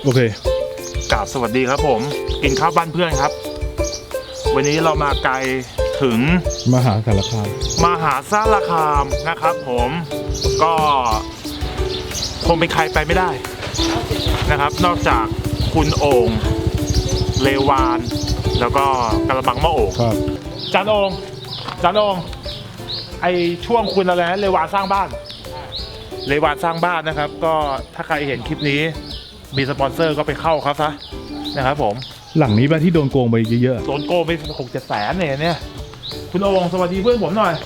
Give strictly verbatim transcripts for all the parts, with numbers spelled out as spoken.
โอเคกราบสวัสดีครับผมกินข้าวบ้านเพื่อนครับวันนี้เรามาไกลถึงมหาสารคามมหาสารคามนะครับผมก็คงเป็นใครไปไม่ได้นะครับนอกจากคุณโอ่งเลวานแล้วก็กระบังมะโอ่งครับจานโอ่งจานโอ่งไอช่วงคุณอะไรนะเลวานสร้างบ้านเลวานสร้างบ้านนะครับก็ถ้าใครเห็นคลิปนี้มีสปอนเซอร์ก็ไปเข้าครับซะนะครับผมหลังนี้ป่ะที่โดนโกงไปเยอะๆโดนโกงไปหกเจ็ดแสนเนี่ยเนี่ยคุณโอ่งสวัสดีเพื่อนผมหน่อย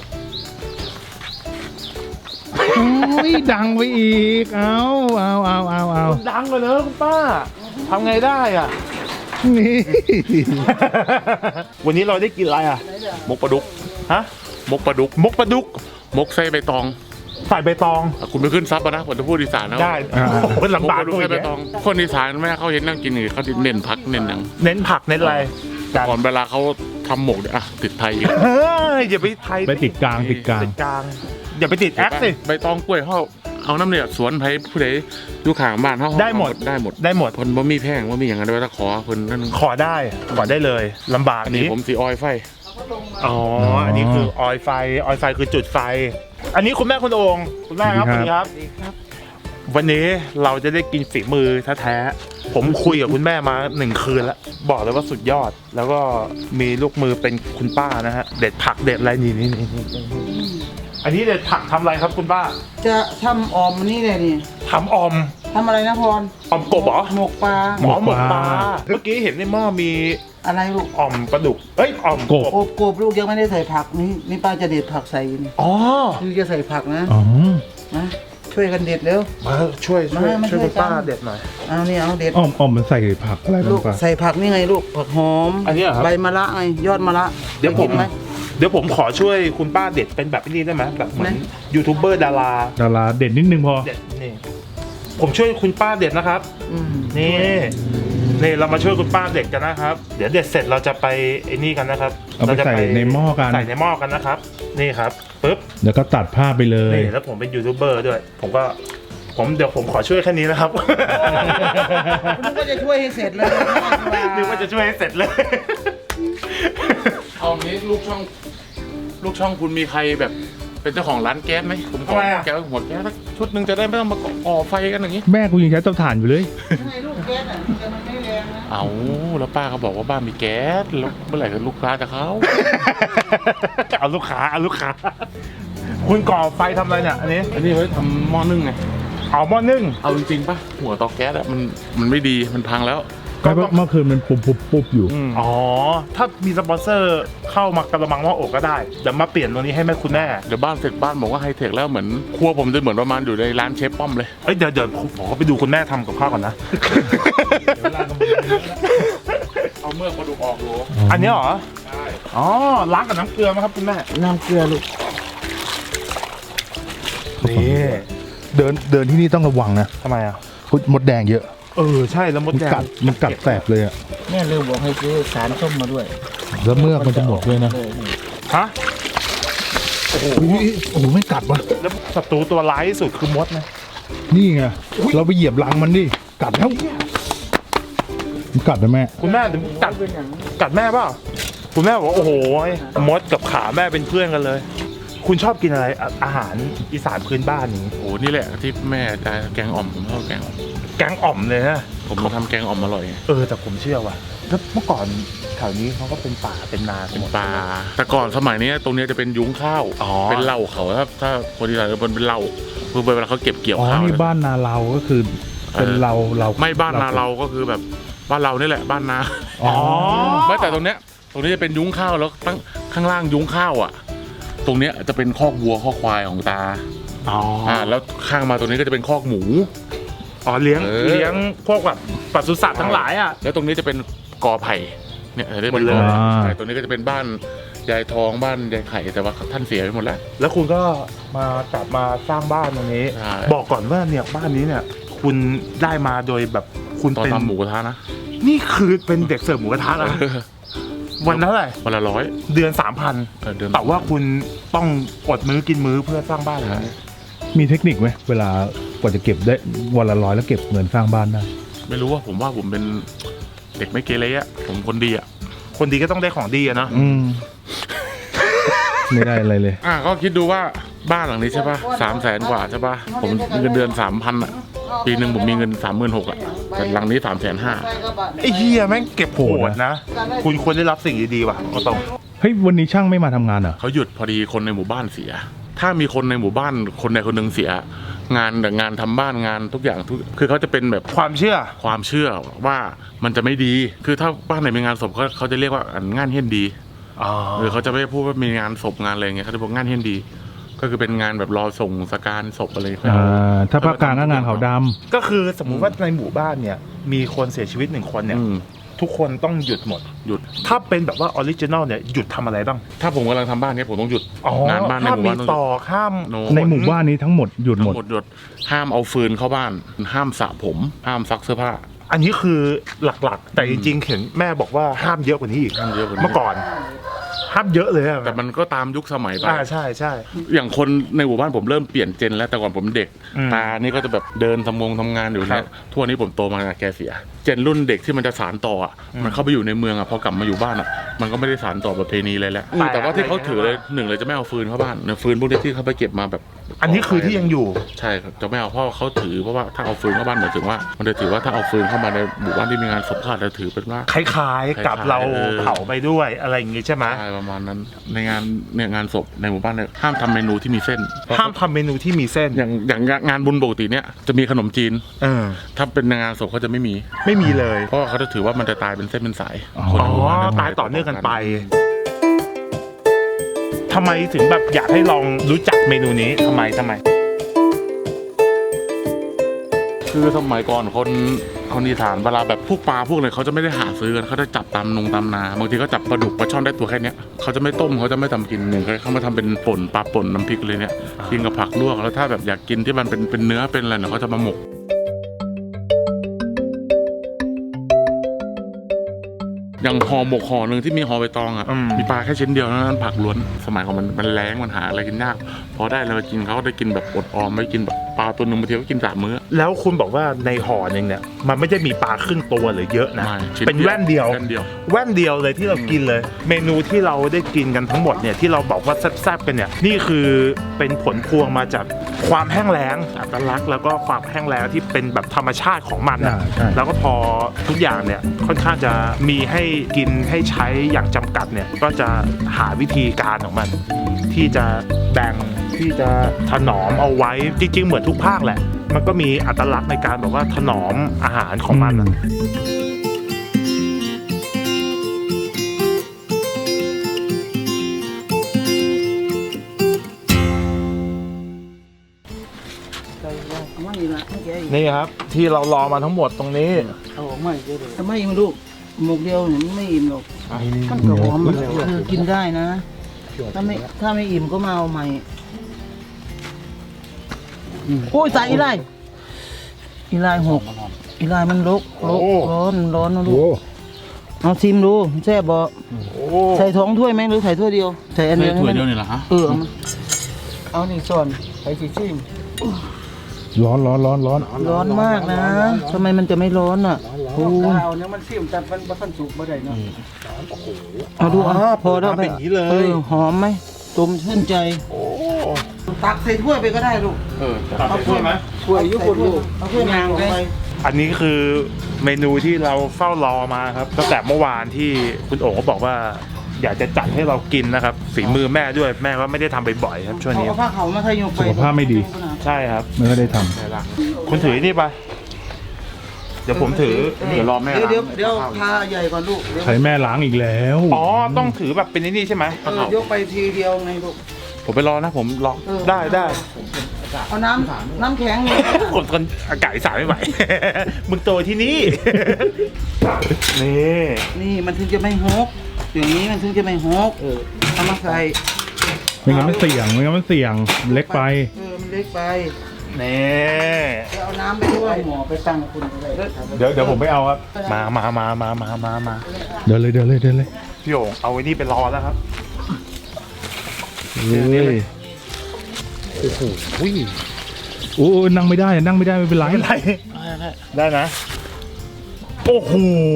โอ้ยดังไปอีกเอาเอาเอาเอาเอาดังเลยเนอะคุณป้าทำไงได้อ่ะนี่วันนี้เราได้กินอะไรอ่ะมกปลาดุกฮะมกปลาดุกมกปลาดุกมกไส้ใบตองใส่ใบตองคุณไปขึ้นซับนะผมจะพูดอีสานนะได้เป็นลำบากด้วยใบตองคนอีสานแม่เขาเห็นนั่งกินเขาเน้นผักเน้นหนังเน้นผักเน้นอะไรก่อนเวลาเขาทำหมกอ่ะติดไทยอีกเฮ้ยอย่าไปไทยไปติดกลางติดกลางติดกลางอย่าไปติดแอคสิใบตองกล้วยเขาเอาน้ำเนี่ยสวนไผ่ผู้ใดอยู่ข้างบ้านเขาได้หมดได้หมดได้หมดคนบ่มีแพงว่ามีอย่างนั้นด้วยถ้าขอคนนั่นขอได้ขอได้เลยลำบากอันนี้ผมสีออยไฟอ๋ออันนี้คือออยไฟออยไฟคือจุดไฟอันนี้คุณแม่คุณโอ่งคุณแม่ครับสวัสดีครับวันนี้เราจะได้กินฝีมือแท้ๆผมคุยกับคุณแม่มาหนึ่งคืนแล้วบอกเลยว่าสุดยอดแล้วก็มีลูกมือเป็นคุณป้านะฮะเด็ดผักเด็ดอะไรนี่นี่นี่อันนี้เด็ดผักทำอะไรครับคุณป้าจะทำออมนี่เลยนี่ทำออมทำอะไรนะพรออมกบเหรอหมกปลาหมอหมกปลาเมื่อกี้เห็นในหม้อมีอะไรลูกออมปลาดุกเอ้ยออมกบกบลูกยังไม่ได้ใส่ผักนี่นี่ป้าจะเด็ดผักใส่นี่อ๋อคือจะใส่ผักนะอ๋อนะช่วยกันเด็ดเร็วมาช่วยช่วยช่วยคุณป้าเด็ดหน่อยเอานี่เอาเด็ดอ้อมอ้อมมันใส่ผักอะไรบ้างป้าใส่ผักนี่ไงลูกผักหอมอันนี้เหรอครับใบมะระไงยอดมะระเดี๋ยวผมเดี๋ยวผมขอช่วยคุณป้าเด็ดเป็นแบบนี้ได้ไหมแบบเหมือนยูทูบเบอร์ดาราดาราเด็ดนิดนึงพอเด็ดนี่ผมช่วยคุณป้าเด็ดนะครับนี่นี่เรามาช่วยคุณป้าเด็ดกันนะครับเดี๋ยวเด็ดเสร็จเราจะไปไอ้นี่กันนะครับเราจะใส่ในหม้อกันใส่ในหม้อกันนะครับนี่ครับปึ๊บเดี๋ยวก็ตัดภาพไปเลยนี่แล้วผมเป็นยูทูบเบอร์ด้วยผมก็ผมเดี๋ยวผมขอช่วยแค่นี้นะครับนึกว่าจะช่วยให้เสร็จเลยนึกว่าจะช่วยให้เสร็จเลยเอางี้ลูกช่องลูกช่องคุณมีใครแบบเป็นเจ้าของร้านแก๊สไหมผมขอแก๊สหัวแก๊สชุดหนึ่งจะได้ไม่ต้องมาก่อไฟกันอย่างนี้แม่กูยังใช้เตาถ่านอยู่เลยทำไมลูกแก๊สอ่ะมันไม่แรงนะเอาแล้วป้าเขาบอกว่าบ้านมีแก๊สแล้วเมื่อไหร่จะลูกค้าจะเข้าเอาลูกค้าเอาลูกค้าคุณก่อไฟทำอะไรเนี่ยอันนี้อันนี้ไว้ทำหม้อนึ่งไงเอาหม้อนึ่งเอาจริงๆป่ะหัวเตาแก๊สอะมันมันไม่ดีมันพังแล้วก็เมื่อคืนมันปุบปุบปุบอยู่อ๋อถ้ามีสปอนเซอร์เข้ามากระมังหม้ออกก็ได้เดี๋ยวมาเปลี่ยนตรงนี้ให้แม่คุณแม่เดี๋ยวบ้านเสร็จบ้านบอกว่าไฮเทคแล้วเหมือนครัวผมจะเหมือนประมาณอยู่ในร้านเชฟป้อมเลยเอ้ยเดี๋ยวเดี๋ยวผมขอไปดูคุณแม่ทำกับข้าวก่อนนะเอาเมือกมาดูออกดูอันนี้เหรอใช่อ๋อล้างกับน้ำเกลือไหมครับคุณแม่น้ำเกลือลูกนี่เดินเดินที่นี่ต้องระวังนะทำไมอ่ะมดแดงเยอะเออใช่แล้วมดแดงมันกัดแสบเลยอ่ะแม่เลยบอกให้ซื้อสารส้มมาด้วยแล้วเมือกมันจะหมดด้วยนะฮะโอ้โหโอ้โหไม่กัดวะแล้วศัตรูตัวร้ายที่สุดคือมดนะนี่ไงเราไปเหยียบรังมันดิกัดแล้วมันกัดนะแม่คุณแม่กัดกัดแม่เปล่าคุณแม่บอกโอ้โหมดกับขาแม่เป็นเพื่อนกันเลยคุณชอบกินอะไรอาหารอีสานพื้นบ้านนี้โอ้นี่แหละที่แม่จะแกงอ่อมผมชอบแกงอ่อมแกงอ่อมเลยนะผมมาทำแกงอ่อมอร่อยเออแต่ผมเชื่อว่ะแล้วเมื่อก่อนแถวนี้เขาก็เป็นป่าเป็นนาเป็นป่าแต่ก่อนสมัยนี้ตรงนี้จะเป็นยุ้งข้าวเป็นเหล้าเขาถ้าถ้าคนที่ไหนเป็นเป็นเหล้าคือเวลาเขาเก็บเกี่ยวข้าวนี่บ้านนาเราก็คือเป็นเราเราไม่บ้านนาเราก็คือแบบบ้านเรานี่แหละบ้านนาอ๋อไม่แต่ตรงเนี้ยตรงนี้จะเป็นยุ้งข้าวแล้วตั้งข้างล่างยุ้งข้าวอ่ะตรงเนี้ยจะเป็นคอกวัวคอกควายของตาอ๋ออ่าแล้วข้างมาตรงนี้ก็จะเป็นคอกหมูอ๋อเลี้ยงเลี้ยงพวกแบบปศุสัตว์ทั้งหลายอ่ะแล้วตรงนี้จะเป็นกอไผ่เนี่ยได้เป็นกอไผ่ตรงนี้ก็จะเป็นบ้านยายทองบ้านยายไข่แต่ว่าท่านเสียไปหมดแล้วแล้วคุณก็มากลับมาสร้างบ้านตรงนี้บอกก่อนว่าเนี่ยบ้านนี้เนี่ยคุณได้มาโดยแบบคุณเป็นทำหมูกระทะนะนี่คือเป็นเด็กเสิร์ฟหมูกระทะนะวันเท่าไหร่วันละร้อยเดือนสามพันแต่ว่าคุณต้องอดมื้อกินมื้อเพื่อสร้างบ้านอะไรมีเทคนิคไหมเวลากว่าจะเก็บได้วันละร้อยแล้วเก็บเงินสร้างบ้านได้ไม่รู้ว่าผมว่าผมเป็นเด็กไม่เกเรอะผมคนดีอะคนดีก็ต้องได้ของดีอะเนาะอืม ไม่ได้อะไรเลยอ่ะก็คิดดูว่าบ้านหลังนี้ใช่ป่ะสามแสนกว่าใช่ป่ะผมเงินเดือนสามพันอะปีหนึ่งผมมีเงินสามหมื่นหกอะแต่หลังนี้สามแสนห้าไอ้เฮียแม่งเก็บโหดนะ คุณควรได้รับสิ่งดีๆว่ะก็ต้องเฮ้ยวันนี้ช่างไม่มาทำงานเหรอเขาหยุดพอดีคนในหมู่บ้านเสีย ถ้ามีคนในหมู่บ้านคนใดคนหนึ่งเสีย งานแต่งานทำบ้านงานทุกอย่างทุกคือเขาจะเป็นแบบความเชื่อความเชื่อว่ามันจะไม่ดี คือถ้าบ้านไหนมีงานศพเขาเขาจะเรียกว่าอันงานเฮี้ยนดีอ๋อหรือเขาจะไม่พูดว่ามีงานศพงานอะไรเงี้ยเขาจะบอกงานเฮี้ยนดี ก็คือเป็นงานแบบรอส่งสการศพอะไรอ่า ถ้าภาคกลางก็งานขาวดก็คือสมมุติว่าในหมู่บ้านเนี่ย มีคนเสียชีวิตหนึ่งคนเนี่ยอืมทุกคนต้องหยุดหมดหยุดถ้าเป็นแบบว่าออริจินอลเนี่ย หยุดทำอะไรบ้างถ้าผมกำลังทำบ้านเนี้ยผมต้องหยุดอ๋องานบ้านในห้าหมมู่มีบ้านต้องหต่ยุอดห้ามโนำในหมู่บ้านนี้ทั้งหมดหยุดหมทั้ดงหมดหยุดห้ามเอาฟืนเข้าบ้าน ห้ามสระผม ห้ามซักเสื้อผ้าอันนี้คือหลักๆ แต่จริงๆเห็นแม่บอกว่าห้ามเยอะกว่านี้อีกห้ามเยอะกว่านี้เมื่อก่อน ห้ามเยอะเลยอะแต่มันก็ตามยุคสมัยไปอ่าใช่ใช่อย่างคนในหมู่บ้านผมเริ่มเปลี่ยนเจนแล้วแต่ก่อนผมเด็กอืมตานี่ก็จะแบบเดินทำงงทำงานอยู่ครัเนี่ยบทั่วนี้ผมโตมาแกเสีย เจนรุ่นเด็กที่มันจะสานต่ออ่ะมันเข้าไปอยู่ในเมืองอ่ะพอกลับมาอยู่บ้านอ่ะมันก็ไม่ได้สานต่อประเพณีเลยแหละอืมแต่ว่าที่เขาถือเลยหนึ่งเลยจะไม่เอาฟืนเข้าบ้านเนี่ยฟืนพวกนี้ที่เขาไปเก็บมาแบบอันนี้คือที่ยังอยู่ใช่ครับจะไม่เอาเพราะเขาถือเพราะว่าถ้าเอาฟืนเข้าบ้านหมายถึงว่า มันจะถือว่าถ้าเอาฟืนเข้ามาในหมู่บ้านที่มีงานศพก็อาจจะถือเป็นว่าคล้ายๆ กับคล้ายๆเราเออเผาไปด้วยอะไรอย่างงี้ใช่ไหมใช่ประมาณนั้นในงานเนี่ยงานศพในหมู่บ้านเนี่ยห้ามทำเมนูที่มีเส้นห้ามทำเมนูที่มีเส้นอย่างอย่างงานบุญปกติเนี่ยจะมีขนมจีนเออถ้าเป็นงานศพเขาจะไม่มีไม่มีเลยเพราะว่าเขาจะถือว่ามันจะตายเป็นเส้นเป็นสายอ๋อคนอ๋อในหมู่บ้นจะตายต่อเนื่องกันไปทำไมถึงแบบอยากให้ลองรู้จักเมนูนี้ทำไมทำไมคือสมัยก่อนคนคนอีสานเวลาแบบพวกปลาพวกอะไรเขาจะไม่ได้หาซื้อกันเขาจะจับตามนงตามนาบางทีก็จับปลาดุกปลาช่อนได้ตัวแค่เนี้ยเขาจะไม่ต้มเขาจะไม่ทำกินหนึ่งเขามาทำเป็นป่นปลาป่นน้ำพริกเลยเนี่ยกินกับผักลวกแล้วถ้าแบบอยากกินที่มันเป็นเป็นเนื้อเป็นอะไรเนี่ยเขาจะมาหมก อย่างห่อหมกห่อหนึ่งที่มีห่อใบตองอ่ะอืมมีปลาแค่ชิ้นเดียวนั้นผักล้วนสมัยของมันมันแรงมันหาอะไรกินยากพอได้เรากินเขาก็ได้กินแบบอดออมไม่กินแบบปลาตัวหนึ่งบางทีก็กินสามมื้อแล้วคุณบอกว่าในห่อหนึ่งเนี่ยมันไม่ได้มีปลาครึ่งตัวหรือเยอะนะไม่ชิ้เป็นแว่นเดียวแว่นเดียวแว่นเดียวเลยที่เรากินเลย เมนูที่เราได้กินกันทั้งหมดเนี่ยที่เราบอกว่าแซ่บๆกันเนี่ยนี่คือเป็นผลพวงมาจากความแห้งแล้งอัตลักษณ์แล้วก็ความแห้งแล้งที่เป็นแบบธรรมชาติของมันนะอ่าใช่แล้วก็พอทุกอย่างเนี่ยค่อนข้างจะมีให้กินให้ใช้อย่างจำกัดเนี่ยก็จะหาวิธีการของมัน ที่จะแบ่งที่จะถนอมเอาไว้จริงๆเหมือนทุกภาคแหละ มันก็มีอัตลักษณ์ในการแบบว่าถนอมอาหารของมันอะไม่ละไม่แกอีกนี่ครับที่เรารอมาทั้งหมดตรงนี้เอาออกมาอีกเยอะเลยทำไมมันลูกหมกเดียวเนี่ยมันไม่อิ่มหรอกมันก็หอมมันคือกินได้นะ ถ้าไม่ถ้าไม่อิ่มก็มาเอาใหม่โอ้ยตายอีไลอีไลหกอีไลมันลกลกโอ้ร้อนร้อนนะลูโอ้กเอาชิมดูแซ่บบ่โอ้ใส่ท้องถ้วยไหมหรือใส่ถ้วยเดียวใส่อันใช่เดียวถ้วยให้เดียวมันนี่แหละฮะเออเอามาเอานี่ส่วนใส่ชิชิมร้อนร้อนร้อนร้อนร้อนมากนะทำไมมันจะไม่ร้อนอ่ะโอ้เอาเนี่ยมันซิมแต่มันบ่ทันสุกบ่ได้เนาะเอาดูอ่ะพอแล้วเป็นอย่างนี้เลเอย อหอมไหมตุ่มชื่นใจโอ้ตักใส่ถ้วยไปก็ได้ลูกเออตัดไปช่วยไหมถ้วยยุบลูกเอาถ้วยยางไปอันนี้คือเมนูที่เราเฝ้ารอมาครับตั้งแต่เมื่อวานที่คุณโอ๋ก็บอกว่า อยากจะจัดให้เรากินนะครับฝีมือแม่ด้วยแม่ก็ไม่ได้ทำบ่อยๆครับช่วงเขานี้เอาผ้าเขาวมาทยกไปสุขภาพไม่ดีใช่ครับไม่ได้ทคุณถือนี่ไป เดี๋ยวผมถือเดี๋ยวรอแม่เดี๋ยวเดี๋ยวล้างเดี๋ยวพาใหญ่ก่อนลูกเดี๋ยวำใช้แม่ล้างอีกแล้วอ๋อต้องถือแบบเป็นนี่ใช่ไหมเออยกไปทีเดียวไงลูกผมไปรอนะผมรอเออได้ได้เอาน้ำน้ำแข็งเลยคนคนอากาศอีสานไม่ไหว มึงโตที่นี่ นี่นี่มันถึงจะไม่ฮกอย่างนี้มันถึงจะไม่ฮกเออเอามาใส่ไม่งั้นมันเสี่ยงไม่งั้นมันเสี่ยงเล็กไปเออมันเล็กไปนี่เดี๋ยวเอาน้ำไปด้วยหมอไปตั้งคุณก็ได้เดี๋ยวเดี๋ยวผมไปเอาครับ มามามามามามามาเดินเลยเดินเลยเดินเลยพี่โอ่งเอาไว้นี่ไปรอแล้วครับเฮ้ยโอ้โหโอ้นั่งไม่ได้นั่งไม่ได้ไม่เป็นไรไม่เป็นไรได้นะโอ้โห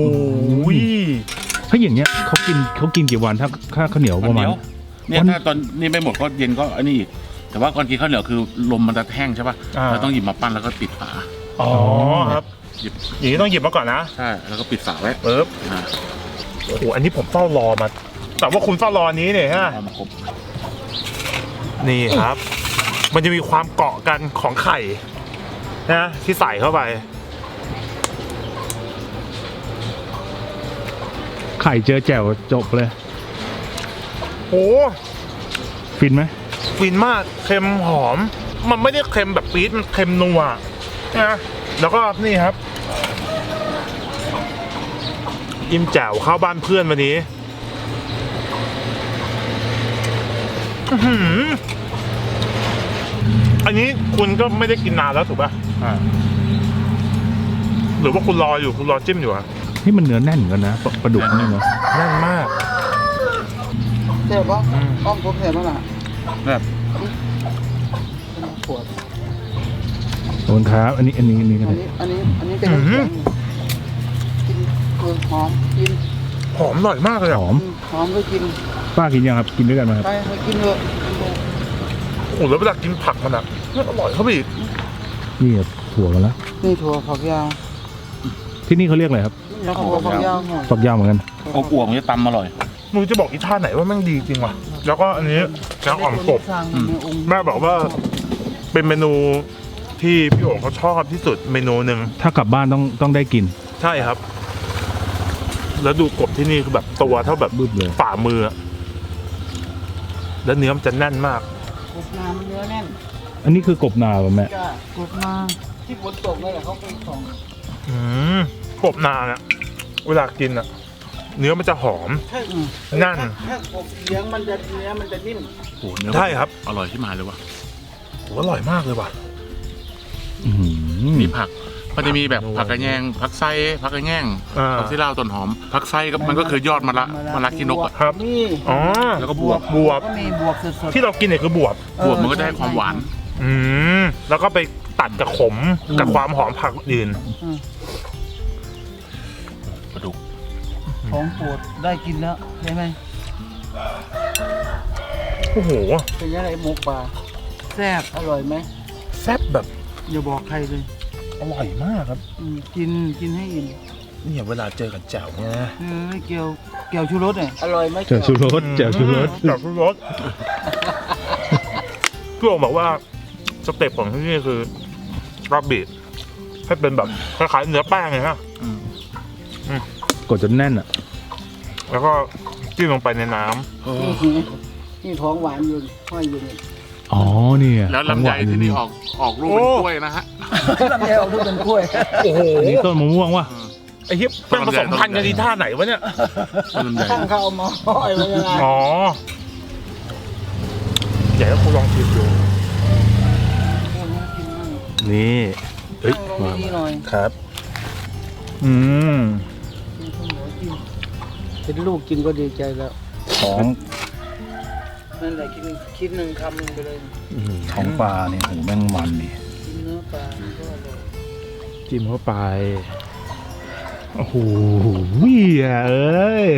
ถ้าอย่างเงี้ยเขากินเขากินกี่วันถ้าถ้าข้าวเหนียวประมาณเนี่ยถ้าตอนนี้ไม่หมดก็เย็นก็อันนี้อีกแต่ว่าก่อนกินข้าวเหนียวคือลมมันจะแห้งใช่ป่ะอ่าเราต้องหยิบมาปั้นแล้วก็ปิดฝาอ๋อครับหยิบอย่างนี้ต้องหยิบมาก่อนนะใช่แล้วก็ปิดฝาไว้ปึ๊บอ่าโอ้โหอันนี้ผมเฝ้ารอมา แต่ว่าคุณเฝ้ารออันนี้เนี่ยฮะเอามาครบนี่ครับ มันจะมีความเกาะกันของไข่นะที่ใส่เข้าไปไข่เจอแจ่วจบเลยโอ้ฟินไหมฟินมากเค็มหอม มันไม่ได้เค็มแบบปี๊ดมันเค็มนัวนะแล้วก็นี่ครับอิ่มแจ่วเข้าบ้านเพื่อนวันนี้อื้อหืออันนี้คุณก็ไม่ได้กินนานแล้วถูกป่ะอ่าหรือว่าคุณรออยู่คุณรอจิ้มอยู่อะนี่มันเนื้อแน่นเหมือนกันนะปลาปลาดุกนี่เนาะแน่นมากเจ็บปะอ้อมผมเจ็บปะล่ะแบบปวดขอบคุณครับอันนี้อันนี้อันนี้กันอันเลยนี้อันนี้อันนี้เป็นน้ำแข็งกินเออหอมกินหอมอร่อยมากเลยอะหอมหอมก็กินป้ากินยังครับกินด้วยกันไหมครับไปไปกินเถอะโอ้โหแล้วเวลากินผักมันอะอร่อยเข้าไปอีกนี่ครับถั่วกันแล้วนี่ถั่วฝักยาวที่นี่เขาเรียกอะไรครับแล้วถั่วฝักยาวหน่อยฝักยาวเหมือนกันอบอวบมันจะตำอร่อยมึงจะบอกอีท่าไหนว่าแม่งดีจริงวะแล้วก็อันนี้แกงอ่อมกบสร้างในองค์แม่บอกว่าเป็นเมนูที่พี่โอ๋เขาชอบที่สุดเมนูหนึ่งถ้ากลับบ้านต้องต้องได้กินใช่ครับ แล้วดูกบที่นี่คือแบบตัวเท่าแบบบึ้บเลยฝ่ามืออะแล้วเนื้อมันจะแน่นมากกบนามันเนื้อแน่นอันนี้คือกบนาป่ะแม่จ้ากบนาที่ฝนตกเลยแหละเขาเป็นสองอืมกบนาเนี่ยเวลากินอะเนื้อมันจะหอมใช่นั่นถ้ากบเลี้ยงมันจะเนื้อมันจะนิ่มโอ้โหเนื้อใช่ครับอร่อยที่มาเลยว่ะโหอร่อยมากเลยว่ะอื้อหือมีผักมันจะมีแบบผักกระแยงผักไส้ผักกระแยงอ่าผักที่เล่าต้นหอมผักไส้ก็มันก็คือยอดมะละมะละขี้นกอะครับนี่อ๋อแล้วก็บวบบวบก็มีบวบสดๆที่เรากินเนี่ยคือบวบบวบมันก็ได้ความหวานอืมแล้วก็ไปตัดกับขมกับความหอมผักอื่นอืมปลาดุกของโปรดได้กินแล้วใช่ไหมโอ้โหเป็นยังไงหมูป่าแซ่บอร่อยไหมแซ่บแบบอย่าบอกใครเลยอร่อยมากครับอืมกินกินให้อิ่มเนี่ยเวลาเจอกับแจ่วเนี่ยนะเออเกี่ยวเกี่ยวชูรสเนี่ยอร่อยไหมแจ่วชูรสแจ่วชูรสแจ่วชูรสพี่โอ๋บอกว่าสเต็ปของที่นี่คือรับบีทให้เป็นแบบคล้ายๆเนื้อแป้งเลยฮะกดจนแน่นอ่ะแล้วก็จิ้มลงไปในน้ำนี่นี่ท้องหวานอยู่ห้อยอยู่นี่อ๋อเนี่ยแล้วลำไยที่นี่ออกออกลูกเป็นกล้วยนะฮะลำไยออกลูกเป็นกล้วยโอ้โหอันนี้ต้นมะม่วงวะไอ้เหี้ยเป็นผสมพันธุ์กันทีท่าไหนวะเนี่ยลำไยตั้งเขาเอามาห้อยไว้ยังไงอ๋อเดี๋ยวคุณลองชิมดู นี่ เฮ้ยตั้งลงนี่หน่อยครับ อืมเป็นลูกกินก็ดีใจแล้วของนั่นแหละกินคิดหนึ่งคำหนึ่งไปเลยของปลาเนี่ยโหแม่งมันดิกินเนื้อปลามันก็อร่อยจิ้มเข้าไปโอ้โหเหี้ยเอ้ย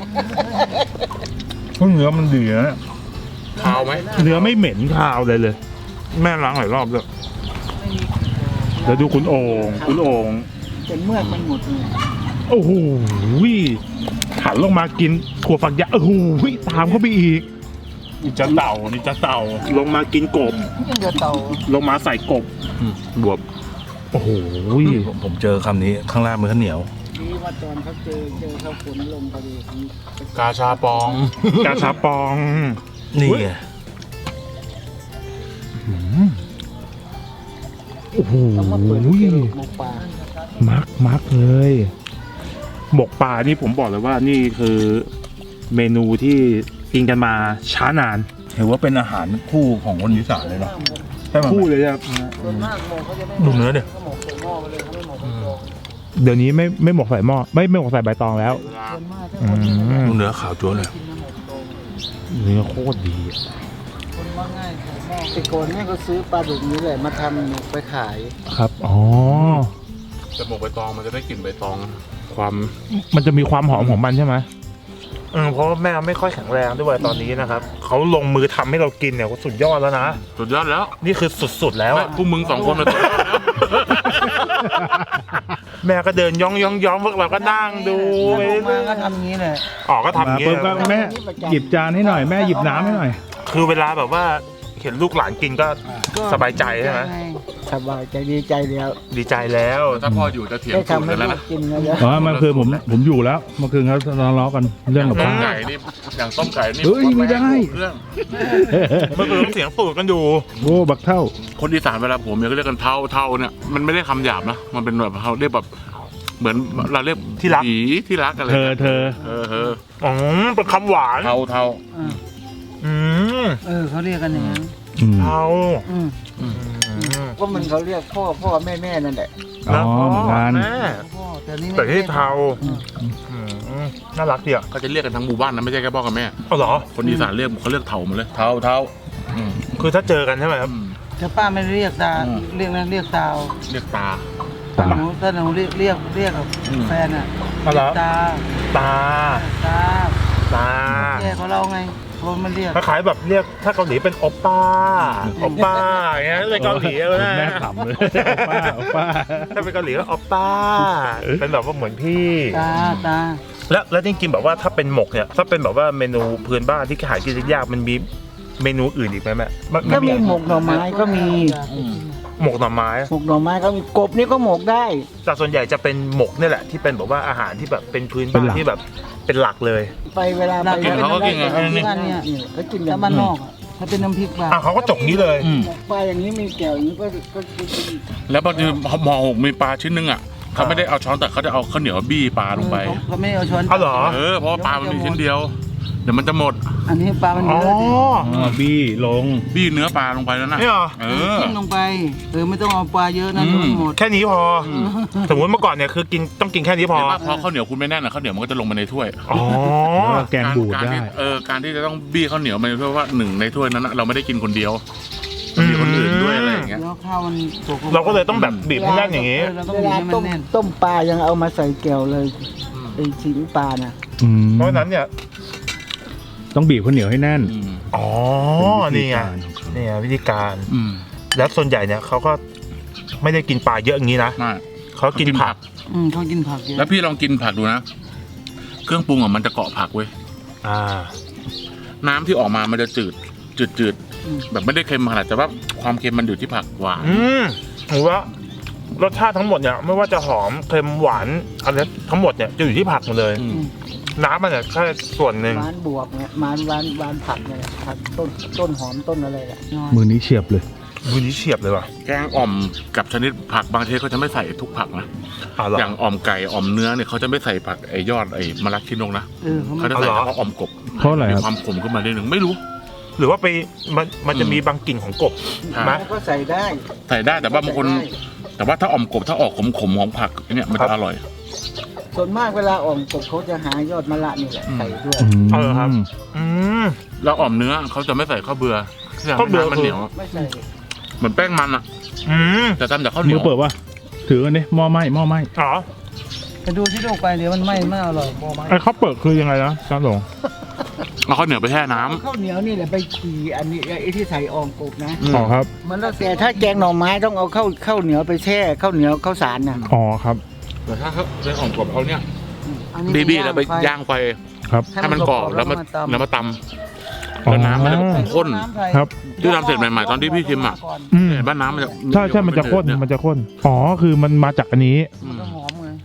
เพราะเนื้อมันดีนะขาวไหมเนื้อไม่เหม็นคาวเลยเลย แม่ล้างหลายรอบแล้วไม่มีแล้วดูคุณโอ่งคุณโอ่งแต่เมือกมันหมดเลยโอ้โหหันลงมากินถั่วฝักยาวโอ้โหตามเข้าไปอีกนี่จะเต่านี่จะเต่า ลงมากินกบยังจะเต่าลงมาใส่กบบวบโอ้โหผมเจอคำนี้ข้างล่างมือข้าวเหนียวดีว่าตอนเขาเจอเจอเขาฝนลงพอดีกาชาปองกาชาปองนี่ไงโอ้โหต้องมาเปิดเจอหมูป่ามักมักเลยหมกปลานี่ผมบอกเลยว่านี่คือเมนูที่กินกันมาช้านานถือว่าเป็นอาหารคู่ของคนอีสานเลยเนาะใช่ไหมคู่เลยครับส่วนมากหมกเขาจะไม่ดูเนื้อดิเขาหมกใส่หม้อไปเลยเขาไม่หมกใส่กรองเดี๋ยวนี้ไม่ไม่หมกใส่หม้อไม่ไม่หมกใส่ใบตองแล้วส่วนมากถ้าอืคนที่มดูเนื้อขาวจั๊วเลยกินน้ำหมกตรงเนื้อโคตรดีอะคนว่าง่ายใส่หม้อแต่ก่อนแม่ก็ซื้อปลาดุกนี้แหละมาทำไปขายครับอ๋อแต่หมกใบตองมันจะได้กลิ่นใบตองความมันจะมีความหอมของมันใช่ไหมเออเพราะว่าแม่ไม่ค่อยแข็งแรงด้วยตอนนี้นะครับเขาลงมือทำให้เรากินเนี่ยก็สุดยอดแล้วนะสุดยอดแล้วนี่คือสุดๆแล้วแม่อะพวกมึงสองคนมาสุดยอดแล้วแม่ก็เดินย่องย่องย่องพวกเราก็นั่งดูไปลงมาเรื่อยก็ทำอย่างนี้เลยๆอ๋อก็ทำอย่างปุ๊เงี้บก็ยแม่หยิบจานให้หน่อยแม่หยิบน้ำให้หน่อยคือเวลาแบบว่าเห็นลูกหลานกินก็สบายใจใช่ไหมสบายใจดีใจแล้วดีใจแล้วถ้าพ่ออยู่จะเถียงได้สูตรทำให้กันแล้วลูนะกกินแล้วอ๋อเมื่อคืนผมผมอยู่แล้วเมื่อคืนเขาทะเลาะกันเรื่องกับต้ข้าม วไก่นี่อย่างต้มไก่นี่เฮ้ยไม่ได้เครื่องเมื่อคืนเสียงสูดกันอยู่โอ้บักเท่าคนอีสานเวลาผมเนี่ยก็เรียกกันเท่าเท่าเนี่ยมันไม่ได้คำหยาบนะมันเป็นแบบเขาเรียกแบบเหมือนเราเรียกที่รักผีที่รักอะไรเธอเธอเออเอออ๋อเป็นคำหวานเท่าเท่าอืมเออเขาเรียกกันอย่างนั้นอืมเอาอืมอืมก็มันเขาเรียกพ่อพ่อแม่แม่นั่นแหละอ๋อเหมือนกันแม่พ่อแต่นี่แต่ไม่ที่เทาอืมอืมน่ารักดีอ่ะก็จะเรียกกันทั้งหมู่บ้านนะไม่ใช่แค่พ่อกับแม่เอาเหรอคนอีสานเรียกเขาเรียกเท่าหมาเลยเท่าเท่าอืมคือถ้าเจอกันใช่ไหมครับอืมแต่ป้าไม่เรียกตาอืมเรียกนะเรียกตาวเรียกตาตาหนูถ้าหนูเรียกเรียกเรียกกับอืมแฟนอ่ะเอาเหรอตาตาตาตาแย่ของเราไงคนมันเรียกคล้ายๆแบบเรียกถ้าเกาหลีเป็นโอปป้าโอปป้าอย่างเงี้ยเป็นเกาหลีเลยนะแม่ขำเลยป้าป้าถ้าเป็นเกาหลีก็โอปป้า เป็นแบบว่าเหมือนพี่ตาตาแล้วแล้วจริงๆแบบว่าถ้าเป็นหมกเนี่ยถ้าเป็นแบบว่าเมนูพื้นบ้านที่หากินยากมันมีเมนูอื่นอีกไหมแม่นก็มีหมกหน่อไม้ก็มีหมกหน่อไม้หมกหน่อไม้ก็มีกบนี่ก็หมกได้แต่ส่วนใหญ่จะเป็นหมกนี่แหละที่เป็นแบบว่าอาหารที่แบบเป็นพื้นบ้านที่แบบเป็นหลักเลยไปเวลาไปกินเขาก็กินไงที่บ้านเนี่ยเขากินถ้าบ้านนอกอะถ้าเป็นน้ำพริกปลาอ่ะเขาก็จกนี้เลยอืมหมกปลาอย่างนี้มีแก้วอย่างนี้ก็ก็กินแล้วบางทีหมอหกมีปลาชิ้นนึงอ่ะเขาไม่ได้เอาช้อนแต่เขาจะเอาข้าวเหนียวบี้ปลาลงไปเขาไม่เอาช้อนเอาเหรอเออเพราะว่าปลามันมีชิ้นเดียว เดี๋ยวมันจะหมดอันนี้ปลามันอ๋เยออะดิอ๋อบี้ลงบี้เนื้อปลาลงไปแล้วนะนี่เหรอเออจิ้มลงไปเออไม่ต้องเอาปลาเยอะนะอืมเดี๋ยวมันหมดแค่นี้พออสมมติเมื่อก่อนเนี่ยคือกินต้องกินแค่นี้พอเห็นว่าพอข้าวเหนียวคุณไม่แน่นนะข้าวเหนียวมันก็จะลงมาในถ้วยอ๋อแล้วก็แกงบูดการได้ที่เออการที่จะต้องบี้ข้าวเหนียวมันเพราะว่าหนึ่งในถ้วยนั้นนะเราไม่ได้กินคนเดียวมันมีคนอื่นด้วยอะไรอย่างเงี้ยแล้วข้าวมันสุกเราก็เลยต้องแบบบีบให้แน่นอย่างนี้เเราต้องเวบีบลาให้มัต้นมแน่นต้มปลายังเอามาใส่แก้วเลยไอ้ชิ้นปลาน่ะอืมเพราะฉะนั้นเนี่ยต้องบีบข้าวเหนียวให้แน่นอืมอ๋อ นี่ไง นี่ไงวิธีการอืมแล้วส่วนใหญ่เนี่ยเขาก็ไม่ได้กินปลาเยอะอย่างนี้นะไม่เขากินผักอืมเขากินผักเยอะแล้วพี่ลองกินผักดูนะ เครื่องปรุงอ่ะมันจะเกาะผักเว้ยอ่าน้ำที่ออกมามันจะจืดจืดจืดแบบไม่ได้เค็มขนาดแต่ว่าความเค็มมันอยู่ที่ผักหวานอืมถือว่ารสชาติทั้งหมดเนี่ยไม่ว่าจะหอมเค็มหวานอะไรทั้งหมดเนี่ยจะอยู่ที่ผักหมดเลยอืมน้ำมันเนี่ยแค่ส่วนหนึ่งหวานบวกเนี่ยหวานหวานหวานผักเนี่ยผักต้นต้นหอมต้นอะไรแหละน้อยมือนี้เฉียบเลยมือนี้เฉียบเลยว่ะแกงอ่อมกับชนิดผักบางทีเขาจะไม่ใส่ทุกผักนะอ่าเหรออย่างอ่อมไก่อ่อมเนื้อเนี่ยเขาจะไม่ใส่ผักไอ้ยอดไอ้มะระชินงนะเออเขาเขาไม่จะใส่เอาเหรอเฉพาะอ่อมกบเพราะอะไรมีครับความขมขึ้นมาได้หนึ่งไม่รู้หรือว่าไปมันมันจะอืมมีบางกลิ่นของกบใช่ไหมแล้วก็ใส่ได้ใส่ได้แต่ว่าบางคนใส่ได้แต่ว่าถ้าอ่อมกบถ้าออกขมขมๆของผักเนี่ยมันจะอร่อยส่วนมากเวลาอ่อมกบเขาจะหายอดมะระนี่แหละอืมใส่ด้วยอืมเอาเหรอครับ อืมแล้วอ่อมเนื้อเขาจะไม่ใส่ข้าวเบื่อข้าวเบื่อน้ำมันเหนียวไม่ใส่เหมือนแป้งมันอ่ะอืมแต่ทำจากข้าวเหนีมืยอวเปิดวะถือกันดิหม้อไหม้หม้อไหม้อ๋อไปดูที่ดูไปเดี๋ยวมันไหม้ไม่อร่อยมอไหม้ไอ้ข้าวเปิดคือยังไงนะจ้าหลงเอาข้าวเหนียวไปแช่น้ำข้าวเหนียวนี่แหละไปขี่อันนี้ไอ้ที่ใส่อ่อมกบนะอ๋อครับมันแล้วแต่ถ้าแกงหน่อไม้ต้องเอาข้าวข้าวเหนียวไปแช่ข้าวเหนียวข้าวสารน่ะอ๋อครับแต่ถ้าเขาเป็นอ่อมกบเขาเนี่ยอันนี้บีบีแล้วไปฟย่างไฟครับให้มันกรอบแล้วมาตำแล้วมาตำแล้วน้ำมันจะข้นำใส่ครับที่ทำเสร็จใหม่ๆตอนที่พี่ชิมอ่ะก่นอืมเห็นบ้านน้ำมันจะใช่ใช่มันจะข้นเยมันจะข้น อ๋อ คือมันมาจากอันนี้อืมันมก็หอมไง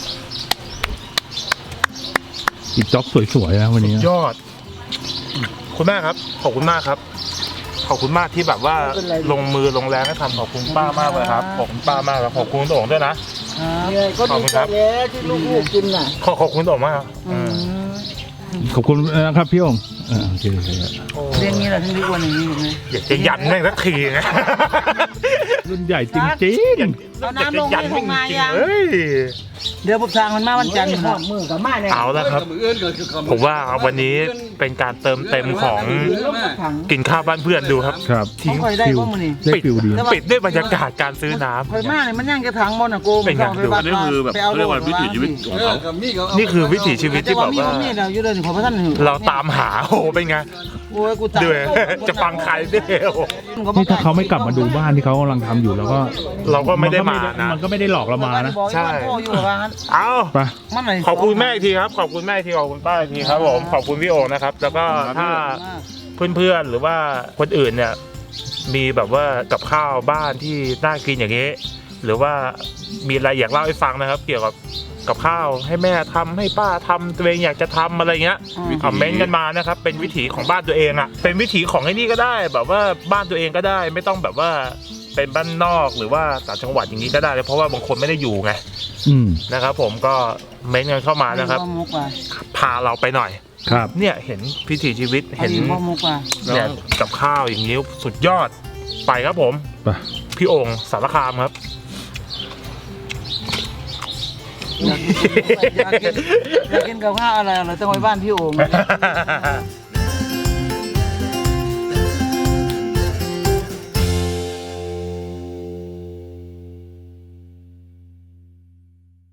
อีกจ็อบสวยๆนะวันนี้ยอด คุณแม่ครับ ขอบคุณมากครับ ขอบคุณมากที่แบบว่าไม่เป็นไรลงมือลงแรงให้ทำขอบคุณป้ามากเลยครับ ขอบคุณป้ามากครับขอบคุณคุณโด่งด้วยนะครับเนี่ยก็ขอบดีคุณใจครับแล้วที่ลูกๆกินน่ะขอขอบคุณโด่งมากครับอืมขอบคุณนะครับพี่องค์อ่าโอเคโอเคเรื่องนี้เราถึงเรียกว่าอย่างนี้ถูกไหมอยากจะยันแม่งสักทีไงรุ่นใหญ่จริงเอาน้ำลงให้ของนายยังเฮ้ยเดี๋ยวผมสั่งมันมาวันจันทร์หอนะมมือกับมาเนี่ยเอาแล้วครับ ผมว่าวันนี้เป็นการเติมเต็มของถังกินข้าวบ้านเพื่อนดูครับครับเขาคอยได้ว่ามันนี่ได้ฟิลดีปิดด้วยบรรยากาศการซื้อน้ำคอยมากเลยมันย่างกระถังบนอ่ะโกมเป็นไงไปบ้านนี่คือแบบไปเอาเขาเรียกว่าวิถีชีวิตของเขานี่คือวิถีชีวิตที่แบบว่ามีเราอยู่เลยขอพระท่านเราตามหาโอ้โหเป็นไงโอ้ยกูตายด้วยจะฟังใครเด้อนี่ถ้าเขาไม่กลับมาดูบ้านที่เขากำลังทำอยู่แล้วก็เราก็ไม่ได้มานะมันก็ไม่ได้หลอกเรามานะใช่พ่ออยู่กับบ้านเอาไปมันไหนขอบคุณแม่อีกทีครับ ขอบคุณแม่อีกทีขอบคุณป้าอีกทีครับผมขอบคุณพี่โอนะครับ แล้วก็ถ้าเพื่อนๆหรือว่าคนอื่นเนี่ยมีแบบว่ากับข้าวบ้านที่น่ากินอย่างนี้ หรือว่ามีอะไรอยากเล่าให้ฟังนะครับ เกี่ยวกับกับข้าวให้แม่ทำให้ป้าทำตัวเองอยากจะทำอะไรเงี้ยคอมเมนต์กันมานะครับเป็นวิถีของบ้านตัวเองอ่ะเป็นวิถีของไอ้นี่ก็ได้ แบบว่าบ้านตัวเองก็ได้ ไม่ต้องแบบว่าเป็นบ้านนอกหรือว่าต่างจังหวัดอย่างนี้ก็ได้เพราะว่าบางคนไม่ได้อยู่ไงอืมนะครับ ผมก็เม้นต์กันเข้ามานะครับมุกว่ะพาเราไปหน่อยครับเนี่ยเห็นพิถีชีวิตเห็นพ่อมุกว่ะเนี่ยกับข้าวอย่างนี้สุดยอดไปครับผมไปพี่โอ่งสารคามครับอยากกินอยากกินกับข้าวอะไรอะไรต้องไปบ้านพี่โอ่ง